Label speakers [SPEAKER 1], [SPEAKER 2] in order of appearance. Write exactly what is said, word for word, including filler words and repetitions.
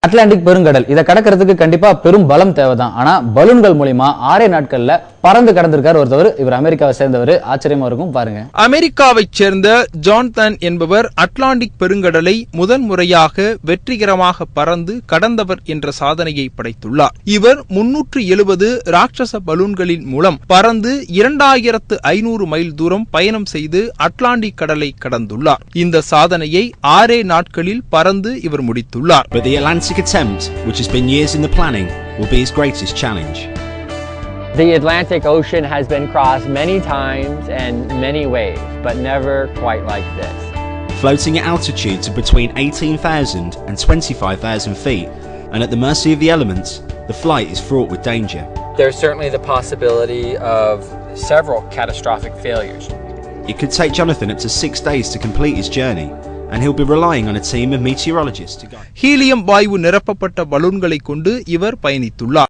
[SPEAKER 1] Atlantic பெருங்கடல் இத கடக்கிறதுக்கு கண்டிப்பா பெரும் பலம் தேவைதான். ஆனா பலூன்கள் மூலமா ஆறே நாட்கள்ல பறந்து கடந்திருக்கார் ஒருத்தவர். இவர் அமெரிக்காவை சேர்ந்தவர். ஆச்சரியமா இருக்கும் பாருங்க.
[SPEAKER 2] அமெரிக்காவைச் சேர்ந்த ஜான்தன் என்பவர் அட்லாண்டிக் பெருங்கடலை முதல் முறையாக வெற்றிகரமாக பறந்து கடந்தவர் என்ற சாதனையை படைத்துள்ளார். இவர் முன்னூற்று எழுபது ராட்சச பலூன்களின் மூலம் பறந்து இரண்டாயிரத்து ஐநூறு மைல் தூரம் பயணம் செய்து அட்லாண்டிக் கடலை கடந்துள்ளார். இந்த சாதனையை ஆறே நாட்களில் பறந்து இவர் முடித்துள்ளார்.
[SPEAKER 3] But the Atlantic attempt, which has been years in the planning, will be his greatest challenge.
[SPEAKER 4] The Atlantic Ocean has been crossed many times and many ways, but never quite like this.
[SPEAKER 3] Floating at altitudes of between eighteen thousand and twenty-five thousand feet, and at the mercy of the elements, the flight is fraught with danger.
[SPEAKER 5] There's certainly the possibility of several catastrophic failures.
[SPEAKER 3] It could take Jonathan up to six days to complete his journey, and he'll be relying on a team of meteorologists to guide.
[SPEAKER 2] Helium வாயு நிரப்பப்பட்ட பலூன்களை கொண்டு இவர் பயணித்துள்ளார்.